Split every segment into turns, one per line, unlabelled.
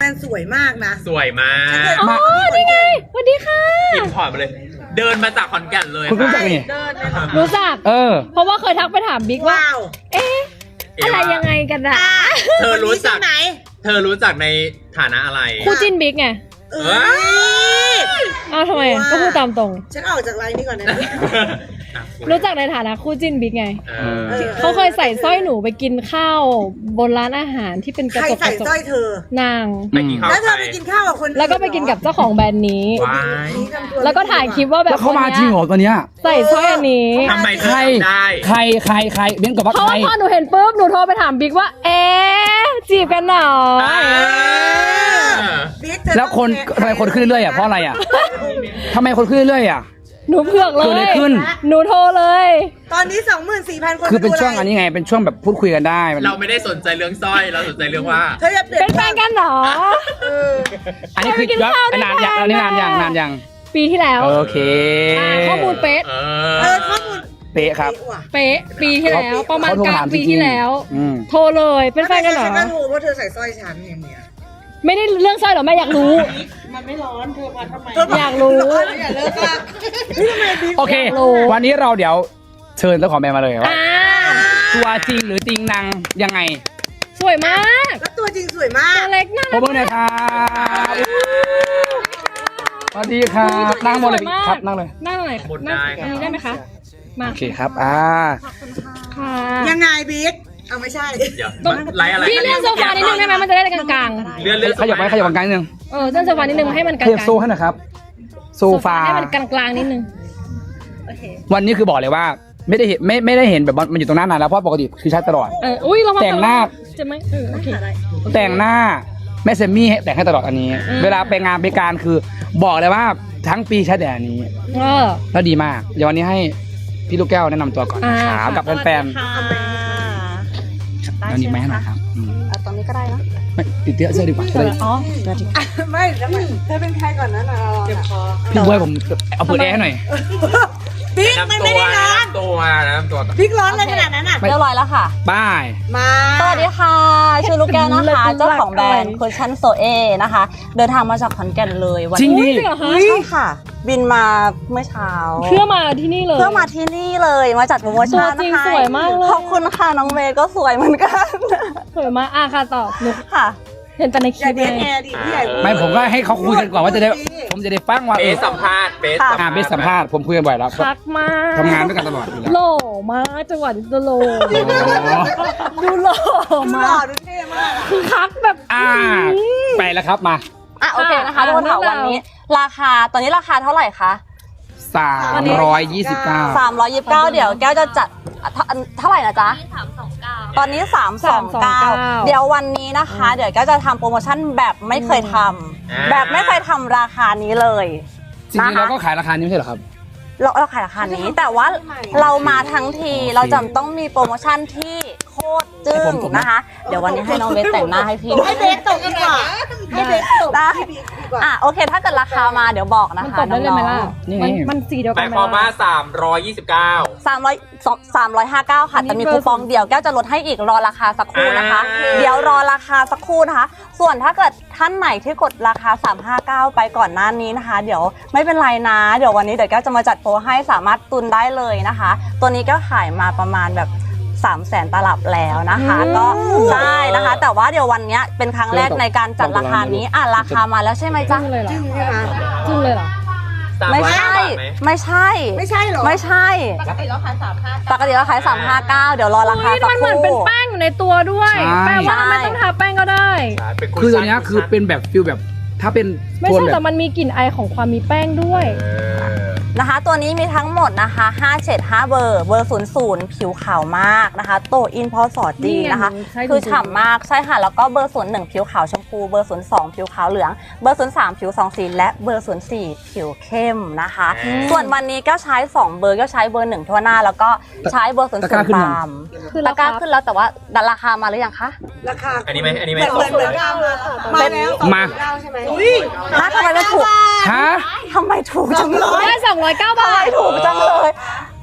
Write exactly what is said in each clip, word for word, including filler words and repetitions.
นสวยมากนะ
สวยมาก
อ๋อนี่ไงสวัสดีค่ะ
อินพอร์ตมาเลยเดินมาจากขอนแก่นเลย
คุณรู้จักนี่
รู้จัก
เออ
เพราะว่าเคยทักไปถามบิ๊กว่าเอ๊ะอะไรยังไงกันอะ
เธอรู้จักไหนเธอรู้จักในฐานะอะไร
คู่จิ้นบิ๊กไง
เออ
อ้าวทำไมก็พูดตามตรง
ฉันออกจากไลน์นี้ก่อนนะ
รู้จักในฐานะคู่จิ้นบิ๊กไงเขาเคยใส่สร้อยหนูไปกินข้าวบนร้านอาหารที่เป็นกระจก
ใครใส่สร้อยเธอน
าง
แล้วเธอไปกินข้าวกับคน
แล้วก็ไปกินกับเจ้าของแบรนด์นี้แล้วก็ถ่ายคลิปว่าแบบ
เขามาจริงเหรอตัวเนี้ย
ใส่สร้อยอันนี้
ทำไมใคร
ใครใครใครเบ้นกับว่าใคร
เพราะว่าพอหนูเห็นปุ๊บหนูโทรไปถามบิ๊กว่าเอ๊ะจีบกันหรอ
แล้วคนทำไมคนขึ้นเรื่อยอ่ะเพราะอะไรอ่ะทำไมคนขึ้นเรื่อยอ่ะ
หนูเผือกเลย
ขึ้น
หนูโทรเลย
ตอนนี้ สองหมื่นสี่พัน คน
คือเป็นช่วงอันนี้ไงเป็นช่วงแบบพูดคุยกันได้
เราไม่ได้สนใจเรื่องสร้อยเราสนใจเรื่องว่า
เป็นแฟนกันเหรอ
อันนี้คือย้อนนานอย่างนานอย่างนานอย่าง
ปีที่แล้ว
โอเค
ข้อมูลเป๊ะ
เออข้อมูล
เป๊ะครับ
เป๊ะปีที่แล้วประมาณกลางปีที่แล้วโทรเลยเป็นแฟนกันเหรอ
ฉันก็โทรเพราะเธอใส่สร้อยฉันอย่างเงี้ย
ไม่ได้เรื่องสร้อยหรอแม่อยากรู้
มันไม่ร้อนเธอมาทำไม
อยากรู้
อย่าเลิกละ
โอเควันนี้เราเดี๋ยวเชิญเจ้าของแบรนด์มาเลยว่าตัวจริงหรือติงนางยังไง
สวยมาก
แล้วตัวจริงสวยมาก
ตัวเล็กน่ารัก
ขอบคุณนะครับสวัสดีครับนั่งบนเลยครับนั่งเลย
นั่งหน่อยนั่งอันนี้ได้ไหมคะมา
โอเคครับอ่า
ค่ะ
ยังไงบิ๊กเอาไม่ใช่
เดี๋ยวไลฟ์อะไร
พี่เลื่อนโซฟานิดนึงได้ไหมมันจะได้กลาง
ๆเลื่อนเลื่อน
ขยับไปขยับกลางนิดนึง
เออเลื่อนโซฟานิดนึงให้มันกลาง
ขยับโซ่ให้หน่อยครับโซฟา
ให้มันกลางๆนิดนึง
วันนี้คือบอกเลยว่าไม่ได้เห็นไม่ไม่ได้เห็นแบบมันอยู่ตรงหน้านานแล้วเพราะปกติคือใช้ตลอด
เอออุ้ยเรามา
แต่งหน้า
จะไหมเออโอเค
แต่งหน้าแม่เซมี่แต่งให้ตลอดอันนี้เวลาไปงานไปการคือบอกเลยว่าทั้งปีใช้แต่อันนี้
เออ
แล้วดีมากเดี๋ยววันนี้ให้พี่ลูกแก้วแนะนำตัวก่อนนะครับกับแฟนๆแล้วนี่ไหมหน่อยครับ
ตอนนี้ก็ได้นะ
ไม่ติดเตี้ยเสื้อดีกว่าจะได้
อ๋อ
ไม่แล้วเธอเป็นใครก่อนนะนะเจ็บคอ
พี่บวยผมเอาเปิดแอร์ให้หน่อย
บิ๊กมันไม่ได้ร้อน
ตัวนะตัว
บิ๊กร้อนเลยขนาดนั้นอ่ะ
เรียบร้อยแล้วค่ะ
บาย
มา
สวัสดีค่ะชื่อลูกแก้วนะคะเจ้าของแบรนด์คุชชั่นโซเอนะคะเดินทางมาจากขอนแก่นเลย
วันนี้
จริงเหรอคะ
ใช่ค่ะบินมาเมื่อเช้า
เพื่อมาที่นี่เลย
เพื่อมาที่นี่เลยมาจัดโปรโมชั่น
นะคะจริงสวยมากเลย
ขอบคุณค่ะน้องเมย์ก็สวยเหมือนกัน
สวยมากอ่ะค่ะต่อหนู
ค่ะ
เห็นแต่ในคลิปเลย
ไม่ผมก็ให้เขาคุยกันก่อนว่าจะได้ผมจะได้ฟังว่า
เบสสัมภาษณ์เบส
อ่าเบสสัมภาษณ์ผมคุยกันบ่อยแล้ว
พักมาก
ทำงานด้วยกันตลอดอยู่แล้ว
โหล่มากจังหวะจะโหล่ดูโหล่มาก
ดูเท่มาก
คือคักแบบ
อ่าไปแล้วครับมา
อ่ะโอเคนะคะทุกคนค่ะวันนี้ราคาตอนนี้ราคาเท่าไหร่คะ
สามร้อยยี่สิบเก้า
สามร้อยยี่สิบเก้าเดี๋ยวแก้วจะจัดเท่าไหร่นะจ๊ะสามสองเก้าตอนนี้สามสองเก้าเดี๋ยววันนี้นะคะเดี๋ยวแก้วจะทำโปรโมชั่นแบบไม่เคยทำแบบไม่เคยทำราคานี้เลย
จริงๆเราก็ขายราคานี้ไม่ใช่เหรอครับ
เราเราขายราคานี้แต่ว่าเรามาทั้งทีเราจำต้องมีโปรโมชั่นที่โคตรจึ้งนะคะเดี๋ยววันนี้ให้น้องเบสแต่งหน้าให้พี่
ให้เบสตกดีกว่าให้เบสตก
ได้อ่ะโอเคถ้าเกิดราคามาเดี๋ยวบอกนะคะน้อง
ๆมันมันสีเดียวกัน
หมายความว่าสามร้อยยี่สิบเก้า
สามร้อย สามร้อยห้าสิบเก้าค่ะแต่มีคูปองเดียวแก้วจะลดให้อีกรอราคาสักครู่นะคะเดี๋ยวรอราคาสักครู่นะคะส่วนถ้าเกิดท่านไหนที่กดราคาสามร้อยห้าสิบเก้าไปก่อนหน้านี้นะคะเดี๋ยวไม่เป็นไรนะเดี๋ยววันนี้เดี๋ยวแก้วจะมาจัดโปรให้สามารถตุนได้เลยนะคะตัวนี้ก็ขายมาประมาณแบบสามแสนตลับแล้วนะคะก็ได้นะคะแต่ว่าเดี๋ยววันนี้เป็นครั้งแรกในการจัดราคานี้อ่ะราคามาแล้วใช่ไหมจ๊ะ
จริงใช่ไหมจริงเลยเหรอ
ไม่ใช่ไม่ใช่
ไม่ใช่หรอ
ไม่ใช่
ปกติเราขายสามห้า
ปกติเราขายสามห้าเก้าเดี๋ยวรอราคาสักครู่
มันเหมือนเป็นแป้งอยู่ในตัวด้วยแปลว่าไม่ต้องทาแป้งก็ได้
คือตัวนี้คือเป็นแบบฟิลแบบถ้าเป็น
ไม่ใช่แต่มันมีกลิ่นไอของความมีแป้งด้วย
นะคะตัวนี้มีทั้งหมดนะคะห้าเฉดห้าเบอร์เบอร์ศูนย์ศูนย์ผิวขาวมากนะคะโตอินพอสอดดีนะคะคือฉ่ำมากใช่ค่ะแล้วก็เบอร์ศูนย์หนึ่งผิวขาวชมพูเบอร์ศูนย์สองผิวขาวเหลืองเบอร์ศูนย์สามผิวสองสีและเบอร์ศูนย์สี่ผิวเข้มนะคะส่วนวันนี้ก็ใช้สองเบอร์ก็ใช้เบอร์หนึ่งทั่วหน้าแล้วก็ใช้เบอร์ศูนย์ศูนย์ตามคือราคาขึ้นแล้วแต่ว่าราคามาหรือยังคะ
ราคา
อันนี้ไหมอันนี้ไหม
เหมือนเหมือนกันมาแล้ว
มา
ใช่ไหมอุ้ย
ฮะทำไมไม่ถูก
ฮะ
ทำไมถูกจังเลย
ได้สองร้อยเก้าบาท
ถูกจังเลย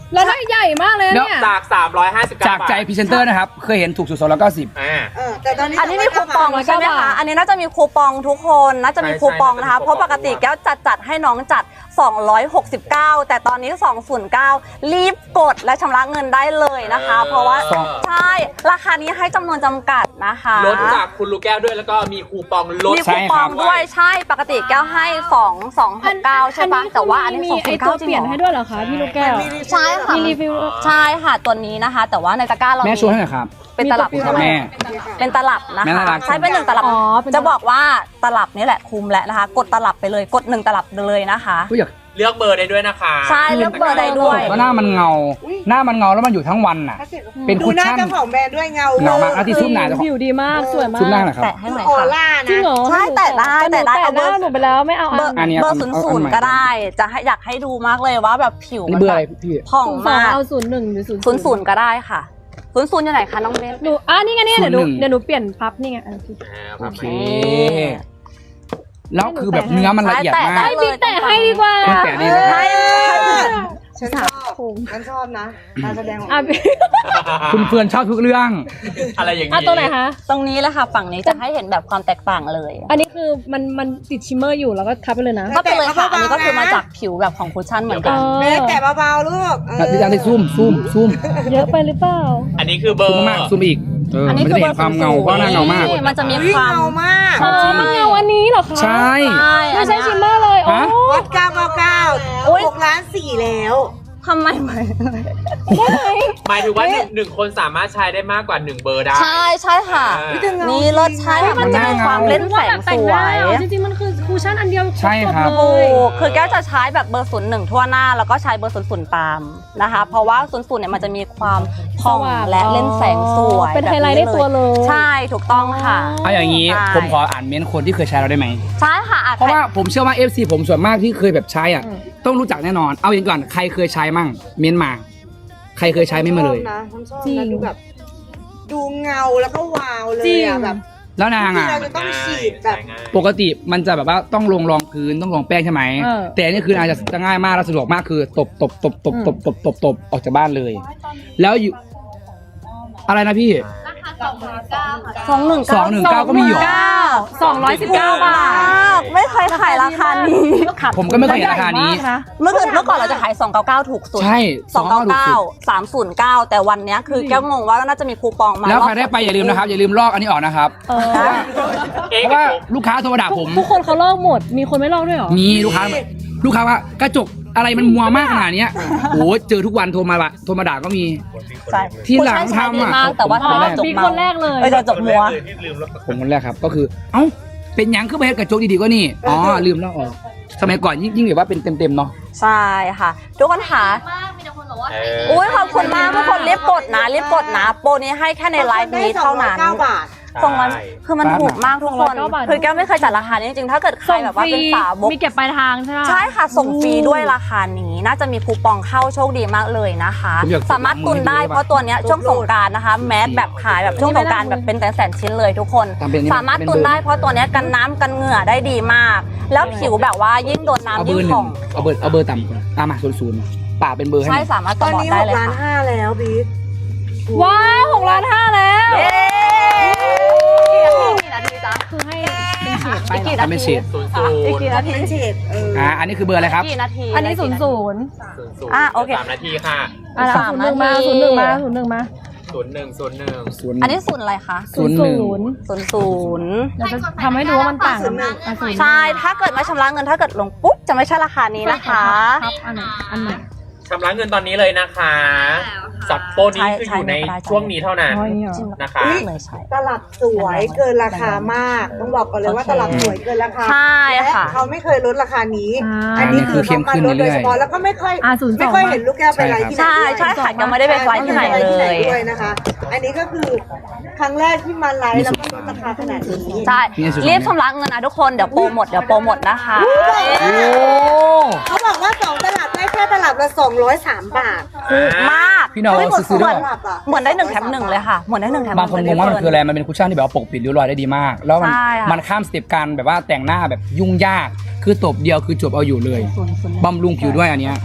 แล้วได้ใหญ่มากเลยเนี่ย
จากสามร้อยห้าสิบเก้า
จากใจพรีเซนเตอร์นะครับ เคยเห็นถูกสุดสองร้อยเก้าสิบ
อ่า
เออแต่ตอนนี้
อันนี้มีคูปองใช่ไหมคะ อันนี้น่าจะมีคูปองทุกคน น่าจะมีคูปองนะคะ เพราะปกติแก้วจัดจัดให้น้องจัด สองร้อยหกสิบเก้า แต่ตอนนี้ สองร้อยเก้า รีบกดและชำระเงินได้เลยนะคะ เพราะว่าใช่ ราคานี้ให้จำนวนจำกัดนะคะ
ลดจากคุณลูกแก้วด้วยแล้วก็มีคูปองลด
มีคูปองด้วยใช่ ปกติแก้วให้สอง สองหกเก้าใช่ปะแต่ว่าอันนี้
มี
สอง
ไอ
ศูนย์
ตั
เก้าว จ
เป
ริง
ลี่ยน
เหร
ให้
อ
ด้วยเหรอคะพี่ลูกแก้ว
ใช่ค่ะ
มีรีฟิล
ใช่ค่ะตัวนี้นะคะ แต่ว่าในตะกร้าเรา
แม่
มี
ช่วยให้หน่อยครับ
เป็นตลับ
มี
ครับ
ตัว
แม่
เป็นตลับนะ
แม่
คะ
น่ารัก
ใช้เป็นหนึ่งตลับ
อ๋อเป็น
จะบอกว่าตลับนี่แหละคุมแล้วนะคะ กดตลับไปเลยกดหนึ่งตลับเลยนะคะ
ผู้อยาก
เลือกเบอร์ได้ด้วยนะคะ
ใช่เลือกเบอร์ได้ด้วย
ก็หน้ามันเงา หน้ามันเงาแล้วมันอยู่ทั้งวันน่ะ เป็น
ดู
คุช
หน้า
ชั่น
เจ้าของแบรนด์ด้วยเงา
เงามากแล้วที่ซุปหนาเจ้าของ
ผิวดีมากสวยมาก
ซุปหน้าหน่อยครับ
แตะให้หน่อย
ออ
ค่ะ
ร่า
จริง
นะ
เหรอ
ใช่แตะได้แตะได้
แต่
เอา
ห
เบอ
น้า
ร์
หนูไปแล้วไม่เอา
เบอ
อ่ะ
ร์
อันนี้
เบอร์
เอา
ศูนย์
เอา
ศูนย์
อันใหม่
ก็ได้ จะให้อยากให้ดูมากเลยว่าแบบผิว
นี่เบอร์อะไรพี่
ผ่อง
ศูนย์สอง
มาก
เอาศูนย์หนึ่งหรือศูนย์
ศูนย์ศูนย์ก็ได้ค่ะศูนย์ศูนย์อยู่ไหนคะน้องเบน
หนูอ่ะนี่ไงนี่ไงเดี๋ยวหนู
ศูนย์หนึ่ง
เดี๋ยวหนูเปลี่ยนพับนี่ไงอ่ะ
โอเค แล้วคือแบบเนื้อมันละเอียดมาก
ให้บิ๊กแตะให้ดีกว่า
บิ๊กแตะดีเลย
ให้
ฉันชอบฉันชอบนะการแสดงของ
อ่ะบิ๊ก
คุณเฟื่อนชอบทุกเรื่อง
อะไรอย่าง
อ่ะ
นี้
ตัวไหนคะ
ตรงนี้แหละค่ะฝั่งนี้จะให้เห็นแบบความแตกต่างเลย
อันนี้คือมันมันติดชิมเมอร์อยู่แล้วก็ทับไปเลยนะ
ก็ไปเลยค่ะอันนี้ก็คือมาจากผิวแบบของคุชชั่นเหมือนกัน
เบสแต่เบาๆลูกเออ
พี่จังที่ซูมซูมซูม
เยอะไปหรือเปล่า
อันนี้คือเบอ
ซูม
ร์
มากซูมอีกเออ
อัน
มัน
นี้
จะ
คือ
ได้เห็นความเงาเพราะหน้าเงามาก
มันจะมี
วิ่
ค
ง
วาม
เงามาก
อ๋อมันเงาอันนี้เหรอคะ
ใช่
ใช่
ไม่ใช่
อัน
ชิม
เนี้ย
เมอร์เลยโอ้
ฮะ
วัดเก้าเก้าเก้า
โอ๊ย
หกล้านสี่แล้ว
ทำไมไหม
หมายถึงว่าหนึ่งหนึ่งคนสามารถใช้ได้มากกว่าหนึ่งเบอร์ได้
ใช่ใช่ค่ะ
อ่า
นี่รสชาติมันจะมีความเล่นแสงสวย
จริงๆมันคือคูชั่นอันเดียว
ใช่ครับ
ครบหมด
ถู
เลย
กคือแก้วจะใช้แบบเบอร์ศูนย์หนึ่งทั่วหน้าแล้วก็ใช้เบอร์ศูนย์ศูนย์ตามนะคะ เพราะว่าศูนย์ศูนย์เนี่ยมันจะมีความผ่องและเล่นแสงสวย
เป็นไฮไลท์ในตัวเลย
ใช่ถูกต้องค่ะ
เอาอย่างนี้
ใช่
ผมขออ่านเม้นต์คนที่เคยใช้เราได้ไหม
ใช่ค่ะอ่ะ
เพราะว่าผมเชื่อว่า เอฟ ซี ผมส่วนมากที่เคยแบบใช้อ่ะ
อืม
ต้องรู้จักแน่นอน เอาอย่างก่อนใครเคยใช้มั่งเม้นต์มา ใครเคยใช้ไม่มาเลย
ชอบนะฉันชอบ
จริ
นะ
ง
ดูแบบ ดูเงาแล้วก็วาวเลย
จริง
อะแบบ
แล้วนาง
ที่
อ่ะ
เราจะต้องฉีดแบบ
ปกติมันจะแบบว่าต้องลงรองพื้นต้องลงแป้งใช่ไหม
เออ
แต่อันนี่คือนางจะจะง่ายมากและสะดวกมากคือตบตบตบตบตบตบตบตบออกจากบ้านเลย แล้วอยู่อะไรนะพี่
สองหนึ่ง
สองหนึ่งเก้าก็มีอยู่
สองร้อยสิบเก้าบาท
ไม่เคยขายราคานี้
ผมก็ไม่เคยเห็นราคานี้
ใหญ่มกนะ
เมื่อก่อนเมื่อก่อนเราจะขายสองเก้าเก้าถูกสุด
ใช่
สองเก้าเก้า สามศูนย์เก้าแต่วันเนี้ยคือแก้วงงว่าน่าจะมีคูปองมา
แล้วใครได้ไปอย่าลืมนะครับ อย่าลืมลอกอันนี้ออกนะครับ
เออ
เอ๊ะ
เพราะว่าลูกค้าโทรมาด่าผม
ทุกคนเขาลอกหมด มีคนไม่ลอกด้วยเหรอ
มีลูกค้าลูกค้าว่ากระจกอะไรมันมัวมากขนาดเนี้ยโอ้เจอทุกวันโทรมาละโทรมาด่าก็มี
ใช่
ที่หลัง
ผู้ชายใช้ดี
ทำอ่ะ
มากแต่ว่า
อ๋อ
ทำให้จบ
บิ๊ก
มา
คนแรกเลย
เอ้ยจบมัว
ผมคนแรกครับก็คือ เอ้าเป็นหยังขึ้นไปกระจกดีๆก็นี่อ๋อลืมแล้วออกสมัยก่อนยิ่งยิ่งแบบว่าเป็นเต็มๆเนาะ
ใช่ค่ะ ทุกคนค่ะ
เออ
อุ้ยขอบคุณมากทุกคนรีบกดนะรีบกดนะ โปรนี้ให้แค่ในไลฟ์นี้เท่านั้น
เก้าบาท
สองร้อยคือมันถูกมากทุกคน
สองร้อยเก้าบาท
คือแก้วไม่เคยจัดราคานี้จริงๆ ถ้าเกิดใคร
ส่ง
แบบ
ฟ
ว่า
รี
เป็นสาวก
มีเก็บปลายทางใช่ไหม
ใช่ค่ะส่งฟรีด้วยราคานี้น่าจะมีคูปองเข้าโชคดีมากเลยนะคะ
ผมอยาก
สามารถตุนได้เพราะตัวเนี้ยช่วงสงกรารนะคะ แมสแบบขายแบบช่วงสงกรารแบบเป็นแสนๆชิ้นเลยทุกคน
ทำเป็นอันนี้
สามารถตุนได้เพราะตัวเนี้ยกันน้ำกันเหงื่อได้ดีมาก แล้วผิวแบบว่ายิ่งโดน
เอา
น้ำ
เบ
ยิ่
อง ร์ห
ผ่
นึ่
อง ง
เอาเบอร์เอาเบอร์ต่ำก่อนอ่ะมาศูนย์ศูนย์ป่าเป็นเบอร์ให้ห
ใช่
น่อย
สามารถ
ต
ส
อน
มอ
นี้
ได้
หก
เลย
ล้าน
ค่ะ
ห้าแล้วบิ๊ก
ว้าวหกล้านห้าแล้ว
เย้กี่นาทีจ๊ะ
คือให้เป็นเฉดไป
อีก
เหรอ
กี่นา
ทำเป็น
ที
เฉด
ศูนย์ศูน
อีก
ย์
กี่นาที
เป็นเฉดเออ
อ่าอันนี้คือเบอร์อะไรครับ
กี่นาที
อันนี้ศูนย์ศูนย์
ศูนย์ศูนย์
อ่ะโอเค
สามนาทีค่ะ
อ่ะ
สาม
ศูนย์หนึ่งมา
นาที
ศูนย์หนึ่งมาศูนย์หนึ่งมา
ศูนย์หนึ่งศูนย์หนึ่ง
ศูนย์
อันนี้ศูนย์อะไรคะ
ศูนย์หนึ่ง
ศูนย์ศูนย์
เราจะทำให้ดูว่ามันต่างกันอ่ะศูนย์
ใช่ ถ้าเกิดไม่ชำระเงินถ้าเกิดลงปุ๊บจะไม่ใช่ราคานี้นะคะ
ครับอันไหนอันไหน
ชำระเงินตอนนี้เลยนะคะสับโปรนี้คืออยู่ในช่วงนี้เท่านั้น
อ๋ออย่างนี้เหรอ
นะคะ
อุ๊ย
เลยใช่
ตลับสวยเกินราคามาก ต้องบอกก่อนเลยว่าตลับสวยเกินราคา
ใช่ค่ะ
และเขาไม่เคยลดราคานี้
อ่า
อันนี้คือเขามาลดโดยเฉพาะแล้วก็ไม่ค่อย
อ่าศูนย์สอง
ไม่ค่อยเห็นลูกแก้วไปไลฟ์ที่ไหน
ใช่
ด้วย
ใช่ค่ะยังไม่ได้ไปไฟล์ที่ไหนเล
ที่ไหน
ย
ด้วยนะคะ อันนี้ก็คือครั้งแรกที่มาไลฟ์แล้วก็ลดราคาขนาดนี้
ใช่รีบชำระเงินนะทุกคนเดี๋ยวโปรหมดเดี๋ยวโปรหมดนะคะ
โอ้
เขาบอกว่าสองตลับได้แค่ตลับละสองร้อยสามบาท
ถูกมาก
พี่น้อง
เฮ้ยเหมือน
ซื้อ
เห
ด้
มื
ว
อย นเหมือนได้หนึ่งแถมหนึ่งเลยค่ะเหมือนได้หนึ่งแถมห
บาง
นึ่ง
คนงงว่ามันคืออะไรมันเป็นคุชชั่นที่แบบว่าปกปิดริ้วรอยได้ดีมาก แล้วมัน
ใช่ค่ะ
มันข้ามสเต็ปการแบบว่าแต่งหน้าแบบยุ่งยาก คือตบเดียวคือจบเอาอยู่เลยบำรุงผิวด้วยอันเนี้ย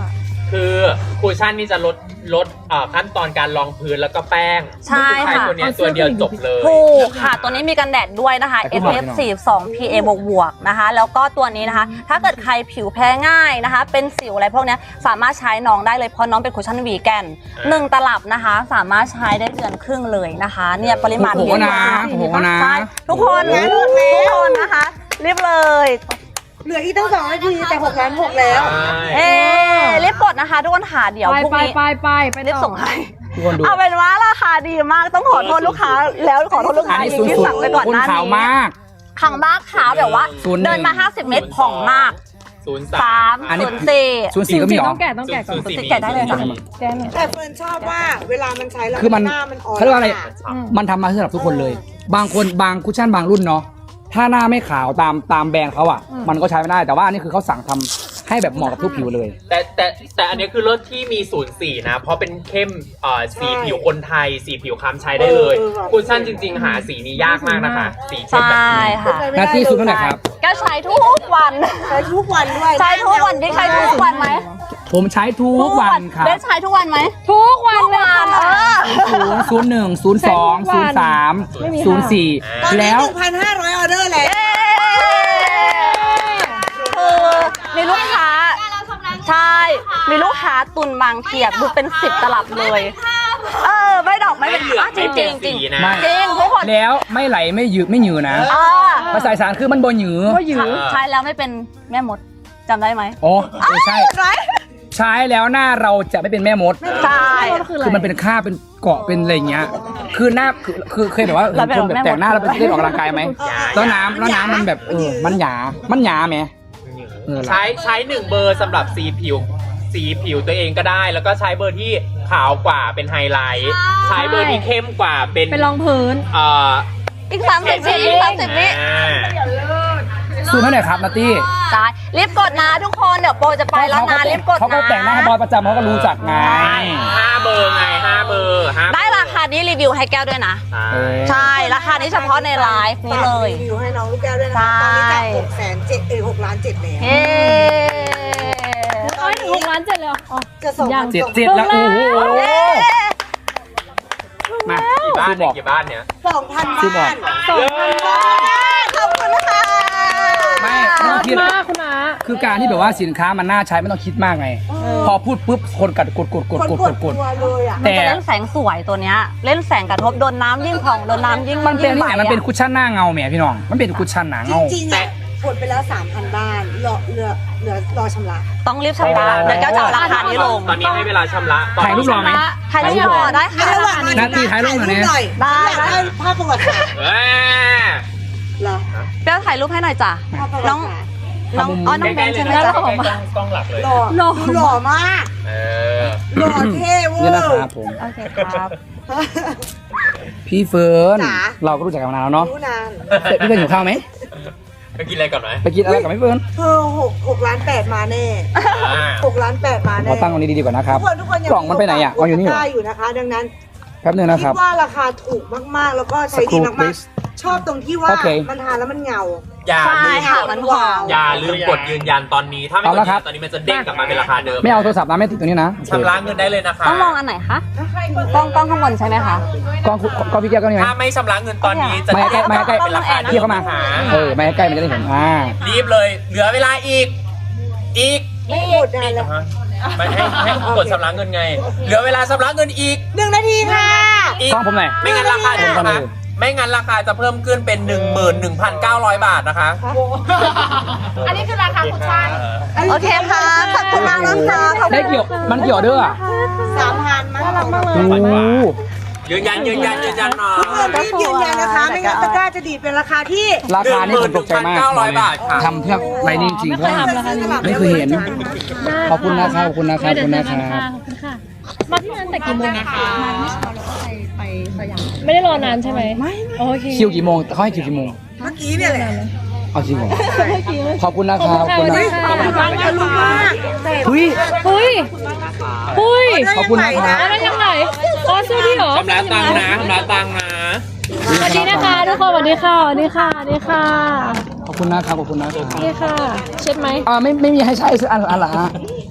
คือคูชั่นนี่จะลดลดเอ่อขั้นตอนการรองพื้นแล้วก็แป้ง
ใช่
ใช้
ค่ะ
ตัวเนี้ยตัวเดียวจบเลย
ถูกค่ะ ตัวนี้มีกันแดดด้วยนะคะ
แต่
เอ
ก็
ส
บอก
พี
ให้
เอฟ
น้อง
สี่สิบสอง พี เอ บวกบวกๆนะคะ แล้วก็ตัวนี้นะคะ ถ้าเกิดใครผิวแพ้ง่ายนะคะ เป็นสิวอะไรพวกเนี้ยสามารถใช้น้องได้เลยเพราะน้องเป็นคุชชั่นวีแกนหนึ่งตลับนะคะ สามารถใช้ได้เดือนครึ่งเลยนะคะ เนี่ยปริมาณ
โอ้โห
เยอะ
นะ
มาก
โอ้โหนะ
ใช่ทุกคนทุกคนนะคะรีบเลย
เหลืออีกตั้งสองนาทีแต่หกล้านหกแล้ว
เอ๊รีบกดนะคะทุกคนค่ะเดี๋ยว
ไป
พรุ่ง
ไป
นี้
ไปไปไป
รีบ
ต่อ
ส่งให้
ทุกคนดู
เอาเป็นว่าราคาดีมากต้องขอโทษลูกค้าแล้วขอโทษลูก
อัน
ค้า
นี้
อีก
สุด
ที่
สุด
สั่งไปก่อน
คุณ
หน้า
ขาว
นี้
มาก
ขังมากขาวแบบว่า
ศูนย์หนึ่ง
เดินมาห้าสิบเมตรผ่องมาก
ศูนย์
สา
สาม
อันนี้
ศูนย์สี่
ศูนย์สี่ก็มีเหรอ
ต้องแกะต้องแกะก่อน
ศูนย์สี่
แกะได้เลยค่ะ
แกะหน่อย
แต่เฟิร์นชอบว่าเวลามันใช้แล้ว
คือมัน
หน้ามันอ่อน
เขาเรียกว่าอะไร
ค่ะ
อืม
มันทำมาสำหรับทุกคนเลย บางคนบางคุชชั่นบางรุ่นเนาะถ้าหน้าไม่ขาวตามตามแบรนด์เขาอ่ะ มันก็ใช้ไม่ได้แต่ว่าอันนี้คือเขาสั่งทำให้แบบเหมาะกับทุกผิวเลย
แต่แต่แต่อันนี้คือรถที่มีศูนย์สี่นะ เพราะเป็นเข้มเอ่อสีผิวคนไทย สีผิวคล้ำใช้ได้เลยคูชั่นจริง ๆ หาสีนี้ยากมากนะคะ สีเข้ม
ใช่
แบบนี้
ค่ะ
หน้าที่สุดเท่าไหร่ครับ
แก้วใช้ทุกวัน
ใช้ทุกวันด้วย
ใช้ทุกวันที่ใช้ทุกวันไหม
ผมใช้ทุกวันครับ
เบสใช้ทุกวันไหม
ทุกวัน
ทุก
เลย
วันเอ
ค่ะ
อ
ศูนย์ศูนย์หนึ่งศูนย์สองศูนย์สาม
ไม่มี
ศูนย์สี่
ตอนนี้
แล้ว
หนึ่งพันห้าร้อยออเดอร์แล้ว
คือมีลูกค้าใช่ มีลูกค้าตุนบางเทียบดูเป็นสิบตลับเลย เออไม่ดอกไม่
ไม่
เป็น
เหลือง
อ่ะจ
ไม่
ริง
เปลี่ยน
จริ
สี
ง
นะ
ไม่
จริงทุกคน
แล้วไม่ไหลไม่หยืดไม่หยืดนะ
อ่า
ภาษาอีสานคือมันบนหยืด
ก็หยือ
ใช้แล้วไม่เป็นแม่มดจำได้ไหม
อ๋อเออใช่
ไร
ใช้แล้วหน้าเราจะไม่เป็นแม่มด
ใช่
คืออะไร
คือมันเป็นค่าบเป็นเกาะเป็นอะไรอย่างเงี้ย คือหน้าคือคือเคยแบบว่าเห็นคนแบบแต่งหน้าแล้วไปเล่นออกกำลังกายไหมแล้วน้ำแล้วน้ำมันแบบเออมันหยา มันหยาไหม เออ
ใช้ใช้หนึ่งเบอร์สำหรับสีผิว สีผิวตัวเองก็ได้ แล้วก็ใช้เบอร์ที่ขาวกว่าเป็นไฮไลท์ ใช้เบอร์ที่เข้มกว่าเป็น
เป็นรองพื้น
เอ่อ
อีกสามสิบวิอีกสามสิบวิ
อ่า
ซูมเท่าไหร่ครับนัตตี้
ใช่รีบกดนะทุกคนเดี๋ยวโปรจะไปแล้วนะรีบกดนะ
เขาก็แต่งหน้าให้บอยประจำเขาก็รู้จักไง
ห้าเบอร์ไงห้าเบอร์ห้า
ได้ราคานี้รีวิวให้แก้วด้วยนะ
ใช่
เออ
ใช่ ราคานี้เฉพาะในไลฟ์นี้เลย
รีวิวให้น้องลูกแก้วด้วยนะคะตอนนี้จากหกแสนเจ็ดเออหกล้านเจ็ดแล้ว
เย้
เอ้ยหกล้านเจ็ดเลยเหรออ๋อ
จะส่ง
ยัง
เจ็ดเจ็ดแล้วโอ้โหมา
กี่บ้าน
ซูบ
เนี่
อย ก
กี่บ้านเนี่ย
สองพัน
ซื้อบอก
บ้าน
สองพันบาท
ขอบคุณค่ะ
ไม่
ข
ไม่
อบ
ต้อง
คุ
คิด
ณมากคุณอา
คือการที่แบบว่าสินค้ามันน่าใช้ไม่ต้องคิดมากไง พอพูดปุ๊บคนกัดกดกดกด
คน
กด
ก
ก
ด
ดก
ตั
ด
วเลยอ่ะ
มัน
แต่
จะเล่นแสงสวยตัวเนี้ย เล่นแสงกระทบโดนน้ำยิ่งผ่องโดนน้ำยิ่ง
มันเป็นนี่
ยิ่ง
ไง
ใบ
มันเป็น
อะ
คุชชั่นหน้าเงาแหมพี่น้อง มันเป็นคุชชั่นหนา
จ
เงา
ริงๆอ่ะกดไปแล้วสามพันบ้านเหลือเหลือเหลือรอชำระ
ต้องรีบชำระเดี๋ยวแก้วจะเอาราคานี้ลง
ตอนนี้ให้เวลาชำระตอน
ถ่ายรูปรอไหม
ใครรีบรอได้ค่ะ
หน้าที่ท้ายรูปหน่อยนะ
ได้
อยากได้ภาพประวัติศาสตร์
เอ้ย
เหรอ
แก้วถ่ายรูปให้หน่อยจ้ะ
ภาพประวั
น้อง
ติศาสตร์
น้องอ๋อน้องเบนใช่ไหม
ใกล้
จ๊ะ
ๆเลยนะใกล้ๆกล้องหลักเลย
หล่อ
หล่อ
ดูหล่อมาก
เออ
หล่อเท่เวอ
นี่นะ
ร์
ครับผม
โอเคครับ
พี่เฟิร์น
จ๋า
เราก็รู้จักกันมานานแล้วเนาะ
รู้นาน
เสร็จพี่เฟิร์นอยู่ข้าวไหม
ไปกินอะไรก่อนไหม
ไปกินอะไรกับพี่เฟิร์น
เธอหกหกล้านแปดมาแน่
อ่า
หกล้านแปดมาแน่
เราตั้งตรงนี้ดีๆก่อนนะครับ
ทุกคนทุกคนยัง
กล่องมันไปไหนอ่ะวางอยู่นี่เหรอ
ได้อยู่นะคะ ดังนั้น
แป๊บนึงนะค
คิ
รับ
ดว่าราคาถูกมากๆ แล้วก็ใช้ดี
สักครู่
มาก
please
ๆ ชอบตรงที่ว่า
โอเค
มันทานแล้วมันเงา
อย่า
ใช่
ลืม
ค่ะ
กด
มันผ่อง
อย่าลืมกดยืนยันตอนนี้ ถ้าไม่
เอา
ก
ละ
ด
ครับ
ตอนนี้มันจะเด้งกลับมาเป็นราคาเดิม
ไม่เอาโทรศัพท์นะไม่ติดตรงนี้นะโอเค
ชำระเงินได้เลยนะคะ
ต้องมองอันไหนคะกล้องกล้องข้างบนใช่ไหมคะ
กล้องกล้องพี่แก้วก็นี่ไหม
ถ้าไม่ชำระเงินตอนนี้จะ
ไม่ใกล้ไม่ใกล้
เป็นราคา
พี่เข้ามา
หา
เออไม่ให้ใกล้มันจะได้เห็นอ่า
รีบเลย เหลือเวลาอีก อีก
ไม่หมดนานแล้ว
ฮะไม่ให้ให้กดชำระเงินไง เหลือเวลาชำระเงินอีก
หนึ่งนาทีค่ะ
อีก
กล้องผมหน่อย
ไม่งั้นราคาจะ
ผมก่อน
นะ
เลย
ไม่งั้นราคาจะเพิ่มขึ้นเป็น หนึ่งหมื่นหนึ่งพันเก้าร้อย บาทนะคะ
อันนี้คือราคาคุณชาย
โอเคค่ะขอบคุณมากนะคะขอบคุณ
ได้เกี่ยวมันเกี่ยวด้วยอ่ะ
สามพันมั้งสองพัน
โอ้โห
ยืนยันยืนยันยืนยันหน่อย
ทุกคนรีบยืนยันนะคะ ไม่งั้นตะกร้าจะดีดเป็นราคาที่
ราคานี่ผมตกใจมาก
หนึ่งหมื่นหนึ่งพันเก้าร้อยบาทค่ะ
ทำเพื่อไรนี่จริง
ไม่
เพ
เค
ราะ
ยทำราคานี้
ไม่เคยเห็น ขอบคุณนะครับขอบคุณนะครับ
เดี๋ยวเจอกัน
ขอบคุณนะครับ
ค่ะขอบคุณค่ะ มาที่นั้นแต่กี่โมงนะคะมาเมื่อเช้าเราก็ไปไปสยามไม่ได้รอนานใช่ไหมไม่โอเค
คิวกี่โมงเขาให้คิวกี่โมง
เมื่อกี้เนี่ยแหละ
เอาจริงเหรอ
เมื่อกี้
ขอบคุณนะครับขอบคุณนะ
ขอบคุณค่ะ
ทะลุมาก
เฮ้ย
เฮ้ยเฮ้ย
ขอบคุณนะครับ
อะไรยังไงอ๋อซื้อที่เหรอ
ชำระตังค์นะชำระตังค์นะ
สวัสดีนะคะทุกคนสวัสดีค่ะสวัสดีค่ะสวัสดีค่ะ
ขอบคุณนะครับขอบคุณนะครับ
สวัสดีค่ะ เช็ดไหม
อ่าไม่ไม่มีให้ใช้สักอันอันละฮะ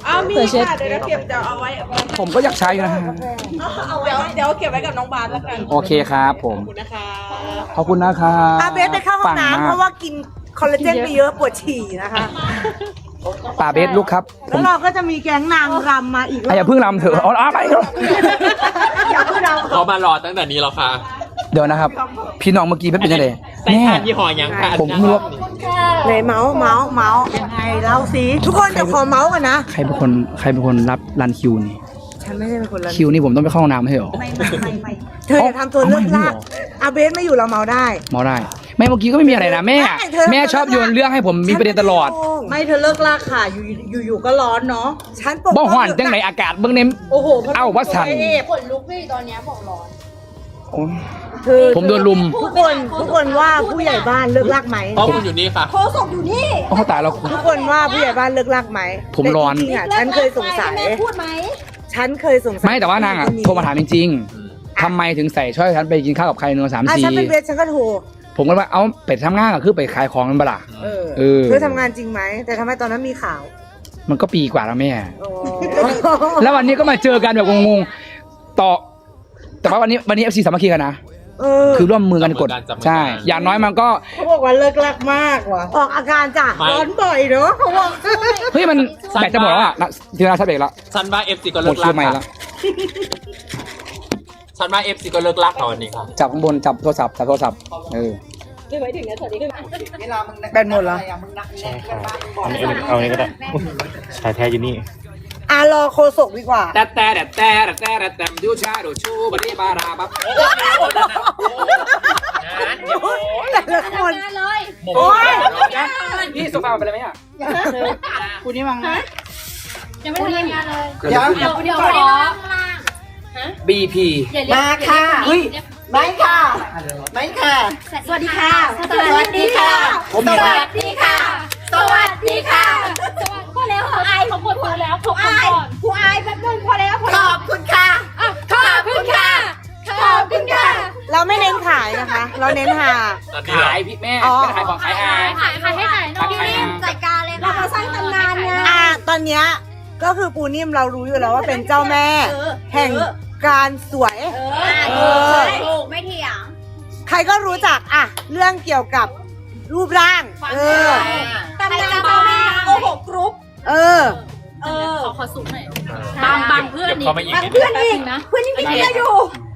อ้าวมี
เผื่อเช็ด
ค่ะเดี๋ยวเราเก็บเดี๋ยวเอาไว้
ผมก็อยากใช้อยู่นะฮะ
เอาไว้เดี๋ยวเก็บไว้กับน้องบาสแล้วกัน
โอเคครับผม
ขอบคุณนะคะ
ขอบคุณนะครับ
อาเบสไปเข้าห้องน้ำเพราะว่ากินคอลลาเจนไปเยอะปวดฉี่นะคะ
ป่าเบสลูกครับผ
แล้ว
ม
เราก็จะมีแก๊งนางรำมาอีก
อ่ะอย่าเพิ่งรำเถอะเอาเอาไปเถอะ
อย่าเพิ่งร
เขามารอตั้งแต่นี้แล้วค่ะ
เดี๋ยวนะครับ พี่น้องเมื่อกี้เป็นยังไง
ใส่
แม่
ทานยี่ห้อยังค่ะ
ผมไม่รู้ว่า
ำไหนเมาส์เมาส์เมาส์ยังไงเล่าสิทุกคนจะขอเมาส์กันนะ
ใครเป็นคนใครเป็นคนรับรันคิวนี่
ฉันไม่ได้เป็นคนรัน
คิวนี่ผมต้องไปเข้าห้องน้ำให้เหรอ
ไม่ไม่ไม่ไม่เธออย่าทำตัวเลิกลากอาเบสไม่อยู่เราเมาได้
เมาได้ไม่เมื่อกี้ก็ไม่มีอะไรนะแม่
ได้เธอ
แม่ชอบโยนเรื่องให้ผมมีประเด็นตลอด
ไม่เธอเลิกลากค่ะอยู่อยู่อยู่ก็ร้อนเนาะฉันปก
บ่ห่อนจังไหนอากาศเบื้องเน้ม
โอ้โห
เอ้าว่าสั่น
ขนลุกพี่ตอนนี้บอกร้อน
โอ้ย
คือ
ผมโดนลุม
ทุกคนทุกคนว่าผู้ใหญ่บ้านเลิกลากไหม
ข้อมูลอยู่นี่ค่ะ
โคศกอยู่นี่
โอ้ตายแล้ว
ทุกคนว่าผู้ใหญ่บ้านเลิกลากไหม
ผมร้อน
แต่จริงๆอ่ะฉันเคยสงสัยฉันเคยสงสัย
ไม่แต่ว่านางอ่ะโทรมาถามจริงๆทำไมถึงใส่ช่วยฉันไปกินข้าวกับใครหนึ่งสาม
อ่ะ
สี่
ฉันเป็นเวทฉันก็โทร
ผมก็ว่าเอาไปทำงานก็คือไปขายของมันบล่ะ
เออ
เออ
เธอทำงานจริงไหมแต่ทำไมตอนนั้นมีข่าว
มันก็ปีกว่าแล้วแม่
โอ้
แล้ววันนี้ก็มาเจอกันแบบงงๆต่อ แต่ว่าวันนี้วันนี้เอฟซีสามัคคีกันนะ
เออ
คือร่วมมือกันกด
จับมือกัน
ใช่ อย่างน้อยมันก็
เขาบอกว่าเลิกลากมากว่ะออกอาการจ้ะ
ไม่
ร้อนบ่อยเนาะเขาบอก
เฮ้ยมันแบตจะหมดแล้วอ่ะนะทีนาชัดเบรกแล้ว
ฉันว่าเอฟซีก็
หม
เลิ
ด
ก
คิ
ลั
ว
ก
ใหม่
ค่ะ
แล้ว
ฉันว่าเอฟซีก็เลิกลักค่ะวันนี้ค่ะ
จับข้างบนจับโทรศัพท์จับโทรศัพท์เออ
แบนหมดเหรอ
ใช่ค่ะเอาอันนี้เอาอันนี้ก็ได้ชายแท้อยู่นี่
อ่ะรอโคศกดีกว่า
แต่แต่แต่แต่แต่แต่แต่ดูชาดูชูบันนี้บาราบับ
แต่ละคน
โอ้ย
พี่โซฟาไปเลยไหมอ่ะ
คุณนี่มังนะ
ยังไม่ทำงานเลย
เดี๋ยว
เดี๋ยวเดี๋ยวขอ
บีพี
มาค่ะเฮ้ยไม่ค่ะ ไม่ค่ะ
สวัสดีค่ะ
สวัสดีค่ะ
ผมมี
สวัสดีค่ะ สวัสดีค่ะสวัสดีพอแล้วขออายของคนพอแล้วขอบคุณก่อนกูอายแป๊บนึงพอแล้วพอ
ข
แล้ว
อบคุณค่ะ
อ่ะขอบคุณค่ะ ขอบคุณค่ะ
เราไม่เน้นขายนะคะ เราเน้นหา
ขายพี่แม่
อ๋อ
ไม่ได้ขายของขายอา
ขายขายให้ขายหน่อย
ขายอา
จัดการเลยค่ะเราสร้างตำนานไง
อ่าตอนเนี้ยก็คือปูนิ่มเรารู้อยู่แล้วว่าเป็นเจ้าแม่ แห่งการสวย เออ
ถูกไม่เถียง
ใครก็รู้จักอ่ะเรื่องเกี่ยวกับรูปร่าง เออ
ตำนานเจ้าแม่โอ้โหกรุ๊ป
เออ
เออขอขอสูงหน่อยบางบางเพื่อน
เดี๋ยวเขามาอีกนิด
เพื่อนอีกนะเพื่อนยังกินเยอะอยู่